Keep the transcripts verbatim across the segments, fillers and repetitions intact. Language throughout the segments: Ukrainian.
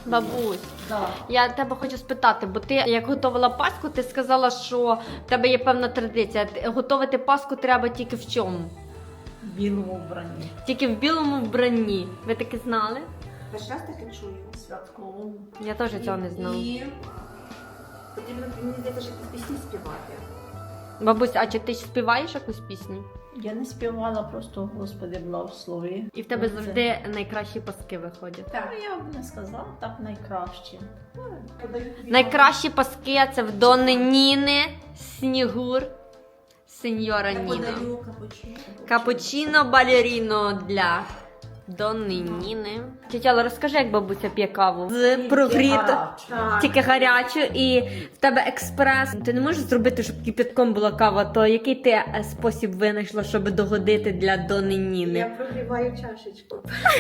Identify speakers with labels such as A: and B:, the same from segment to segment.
A: Бабусь,
B: Да.
A: я тебе хочу спитати, бо ти як готувала паску, ти сказала, що в тебе є певна традиція. Ти- Готувати паску треба тільки в чому?
B: В білому вбранні.
A: Тільки в білому вбранні. Ви таки знали?
C: Перший раз таке чую.
B: Святковому.
A: Я теж цього не знала.
C: І потрібно, мені здається, що пісні співати.
A: Бабусь, а чи ти співаєш якусь пісню?
B: Я не співала, просто Господи благослови.
A: І в тебе
B: Це-
A: завжди найкращі паски виходять.
B: Ну, я б не сказала так найкраще.
A: Найкращі паски це в Донни Ніни, Снігур, Сеньора
C: Я
A: Ніна.
C: подаю капучино.
A: Капучино балеріно для Донни Ніни. Тетяла, розкажи, як бабуся п'є каву. З прогріто.
C: Так.
A: Тільки гарячу, і в тебе експрес. Ти не можеш зробити, щоб кипятком була кава, то який ти е, спосіб винайшла, щоб догодити для Донни
C: Я
A: Ніни?
C: прогріваю чашечку.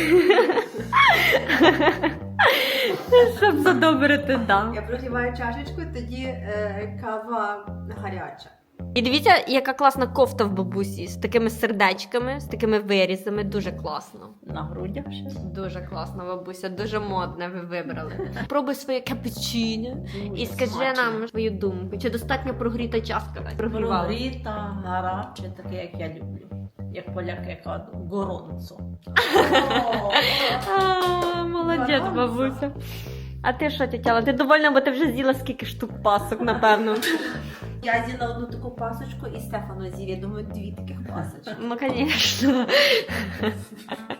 A: Щоб задобрити, да.
C: Я прогріваю чашечку, тоді е, кава гаряча.
A: І дивіться, яка класна кофта в бабусі з такими сердечками, з такими вирізами. Дуже класно.
B: На грудях ще.
A: Дуже класно, бабуся, дуже модне ви вибрали. Пробуй своє капучино і скажи нам свою думку. Чи достатньо прогріта чашка? Прогрівала?
B: Прогріта, гаряче, таке, як я люблю. Як поляки кажуть, горонцо.
A: А, молодець, бабуся. А ти що, тетяла? Ти довольна, бо ти вже з'їла скільки штук пасок, напевно.
C: Я з'їла одну таку пасочку і Стефано з'їв, я думаю, дві таких пасочки.
A: Ну, звісно.